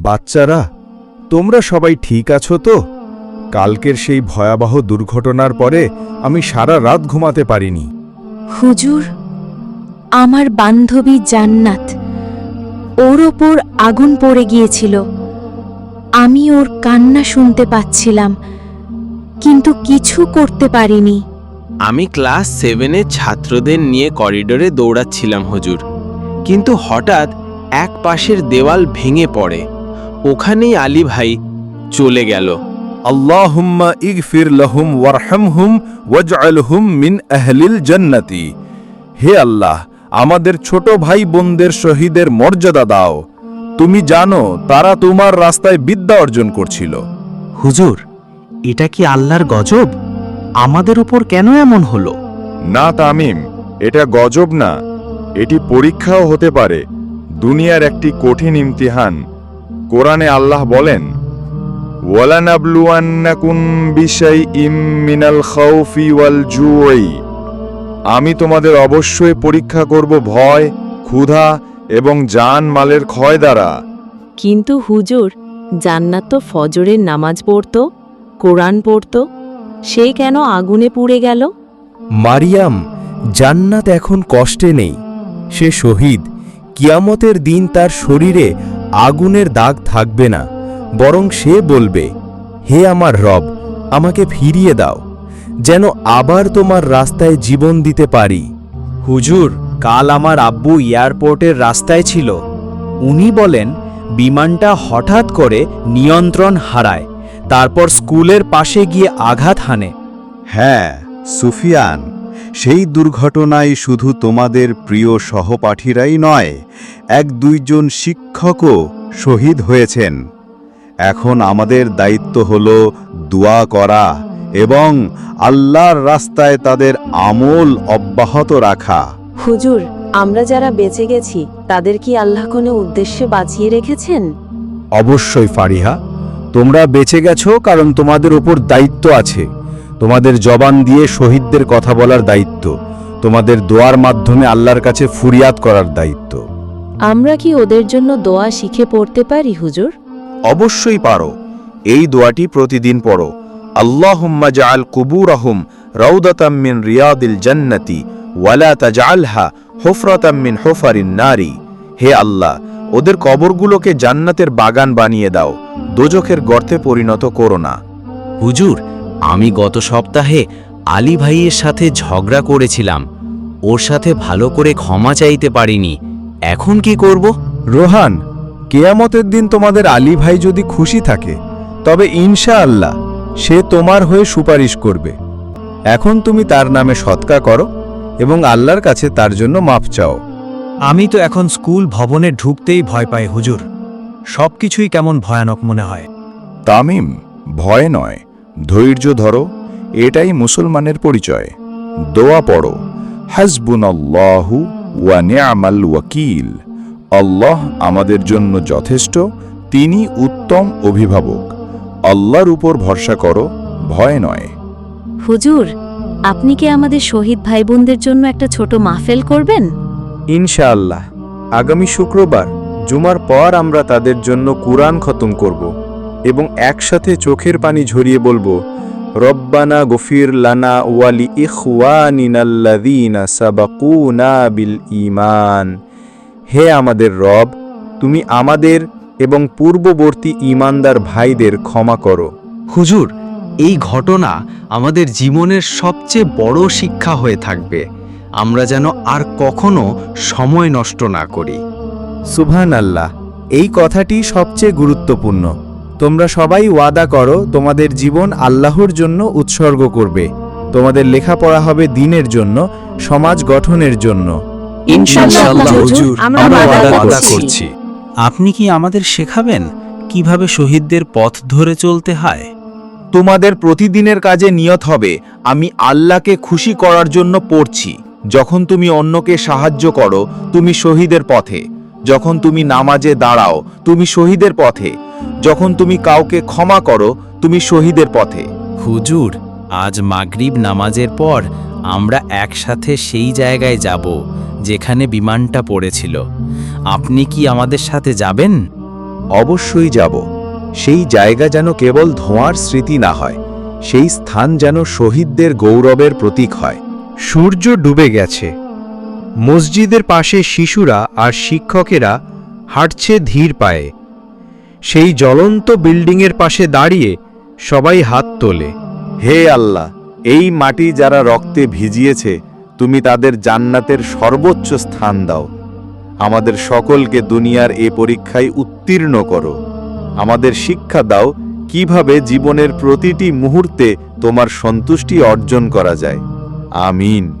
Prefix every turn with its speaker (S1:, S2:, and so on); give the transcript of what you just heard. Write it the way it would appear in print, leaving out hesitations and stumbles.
S1: বাচ্চারা, তোমরা সবাই ঠিক আছো তো? কালকের সেই ভয়াবহ দুর্ঘটনার পরে আমি সারা রাত ঘুমাতে পারিনি।
S2: হুজুর, আমার বান্ধবী জান্নাত, ওর ওপর আগুন পড়ে গিয়েছিল। আমি ওর কান্না শুনতে পাচ্ছিলাম, কিন্তু কিছু করতে পারিনি।
S3: আমি ক্লাস 7-এর ছাত্রদের নিয়ে করিডোরে দৌড়াচ্ছিলাম হুজুর, কিন্তু হঠাৎ এক পাশের দেওয়াল ভেঙে পড়ে। ওখানেই আলী ভাই চলে গেল।
S1: আল্লাহুম্মা ইগফির লাহুম ওয়ারহামহুম ওয়াজআলহুম মিন আহলিল জান্নাতি। হে আল্লাহ, আমাদের ছোট ভাই বোনদের শহীদের মর্যাদা দাও। তুমি জানো তারা তোমার রাস্তায় বিদ্যা অর্জন করছিল।
S4: হুজুর, এটা কি আল্লাহর গজব? আমাদের উপর কেন এমন হলো?
S1: না তামিম, এটা গজব না, এটি পরীক্ষাও হতে পারে, দুনিয়ার একটি কঠিন ইমতিহান। কোরআনে আল্লাহ বলেন, ওয়ালানাবলুয়ান্নাকুম বিশাইইম মিনাল খাউফি ওয়াল জুই। আমি তোমাদের অবশ্যই পরীক্ষা করব ভয়, ক্ষুধা এবং জান মালের ক্ষয় দ্বারা।
S5: কিন্তু হুজুর, জান্নাত তো ফজরের নামাজ পড়ত, কোরআন পড়ত, সে কেন আগুনে পুড়ে গেল?
S6: মারিয়াম, জান্নাত এখন কষ্টে নেই, সে শহীদ। কিয়ামতের দিন তার শরীরে আগুনের দাগ থাকবে না, বরং সে বলবে, হে আমার রব, আমাকে ফিরিয়ে দাও, যেন আবার তোমার রাস্তায় জীবন দিতে পারি।
S4: হুজুর, কাল আমার আব্বু এয়ারপোর্টের রাস্তায় ছিল। উনি বলেন বিমানটা হঠাৎ করে নিয়ন্ত্রণ হারায়, তারপর স্কুলের পাশে গিয়ে আঘাত হানে।
S7: হ্যাঁ সুফিয়ান, সেই দুর্ঘটনায় শুধু তোমাদের প্রিয় সহপাঠীরাই নয়, 1-2 শিক্ষকও শহীদ হয়েছেন। এখন আমাদের দায়িত্ব হল দোয়া করা এবং আল্লাহর রাস্তায় তাদের আমল অব্যাহত রাখা।
S5: হুজুর, আমরা যারা বেঁচে গেছি তাদের কি আল্লাহ কোনো উদ্দেশ্যে বাঁচিয়ে রেখেছেন?
S6: অবশ্যই ফারিহা, তোমরা বেঁচে গেছো কারণ তোমাদের উপর দায়িত্ব আছে। তোমাদের জবান দিয়ে শহীদদের কথা বলার দায়িত্ব, তোমাদের দোয়ার মাধ্যমে আল্লাহর কাছে ফুরিয়াদ করার দায়িত্ব।
S5: আমরা কি ওদের জন্য দোয়া শিখে পড়তে পারি হুজুর?
S3: অবশ্যই পারো। এই দোয়াটি প্রতিদিন পড়ো। আল্লাহুম্মা জাআল কুবুরাহুম রাউদাতাম মিন রিয়াদিল জান্নাতি ওয়ালা তাজআলহা হুফরাতাম মিন হুফারিন নারি। হে আল্লাহ, ওদের কবরগুলোকে জান্নাতের বাগান বানিয়ে দাও, দোজখের গর্তে পরিণত করো না।
S4: হুজুর, আমি গত সপ্তাহে আলী ভাইয়ের সাথে ঝগড়া করেছিলাম, ওর সাথে ভালো করে ক্ষমা চাইতে পারিনি। এখন কি করব?
S1: রোহান, কেয়ামতের দিন তোমাদের আলী ভাই যদি খুশি থাকে, তবে ইনশাআল্লাহ সে তোমার হয়ে সুপারিশ করবে। এখন তুমি তার নামে সদকা করো এবং আল্লাহর কাছে তার জন্য মাফ চাও।
S4: আমি তো এখন স্কুল ভবনে ঢুকতেই ভয় পাই হুজুর, সবকিছুই কেমন ভয়ানক মনে হয়।
S1: তামিম, ভয় নয়, ধৈর্য ধরো, এটাই মুসলমানের পরিচয়। দোয়া পড়ো, হাসবুনাল্লাহু ওয়া নি'মাল ওয়াকিল। আল্লাহ আমাদের জন্য যথেষ্ট, তিনি উত্তম অভিভাবক। আল্লাহর উপর ভরসা করো, ভয় নয়।
S2: হুজুর, আপনি কি আমাদের শহীদ ভাই বোনদের জন্য একটা ছোট মাহফিল করবেন?
S6: ইনশাআল্লাহ, আগামী শুক্রবার জুমার পর আমরা তাদের জন্য কুরআন খতম করব এবং একসাথে চোখের পানি ঝরিয়ে বলবো, রব্বানা গফির লানা ওয়ালি ইখওয়ানিনাল্লাযীনা সাবাকুনা বিল ঈমান। হে আমাদের রব, তুমি আমাদের এবং পূর্ববর্তী ঈমানদার ভাইদের ক্ষমা করো।
S4: হুজুর, এই ঘটনা আমাদের জীবনের সবচেয়ে বড় শিক্ষা হয়ে থাকবে। আমরা যেন আর কখনো সময় নষ্ট না করি।
S6: সুবহানাল্লাহ, এই কথাটি সবচেয়ে গুরুত্বপূর্ণ। তোমরা সবাই ওয়াদা করো তোমাদের জীবন আল্লাহর জন্য উৎসর্গ করবে। তোমাদের লেখাপড়া হবে দ্বীনের জন্য, সমাজ গঠনের জন্য।
S5: ইনশাআল্লাহ হুজুর, আমরা ওয়াদা করছি।
S4: আপনি কি আমাদের শেখাবেন কিভাবে শহীদদের পথ ধরে চলতে হয়?
S3: তোমাদের প্রতিদিনের কাজে নিয়ত হবে, আমি আল্লাহকে খুশি করার জন্য পড়ছি। যখন তুমি অন্যকে সাহায্য করো, তুমি শহীদের পথে। যখন তুমি নামাজে দাঁড়াও, তুমি শহীদের পথে। যখন তুমি কাউকে ক্ষমা করো, তুমি শহীদের পথে।
S4: হুজুর, আজ মাগরিব নামাজের পর আমরা একসাথে সেই জায়গায় যাব যেখানে বিমানটা পড়েছিল। আপনি কি আমাদের সাথে যাবেন?
S3: অবশ্যই যাব। সেই জায়গা যেন কেবল ধোঁয়ার স্মৃতি না হয়, সেই স্থান যেন শহীদদের গৌরবের প্রতীক হয়।
S8: সূর্য ডুবে গেছে। মসজিদের পাশে শিশুরা আর শিক্ষকেরা হাঁটছে ধীর পায়ে। সেই জ্বলন্ত বিল্ডিংয়ের পাশে দাঁড়িয়ে সবাই হাত তোলে।
S6: হে আল্লাহ, এই মাটি যারা রক্তে ভিজিয়েছে, তুমি তাদের জান্নাতের সর্বোচ্চ স্থান দাও। আমাদের সকলকে দুনিয়ার এ পরীক্ষায় উত্তীর্ণ করো। আমাদের শিক্ষা দাও কিভাবে জীবনের প্রতিটি মুহূর্তে তোমার সন্তুষ্টি অর্জন করা যায়। আমিন।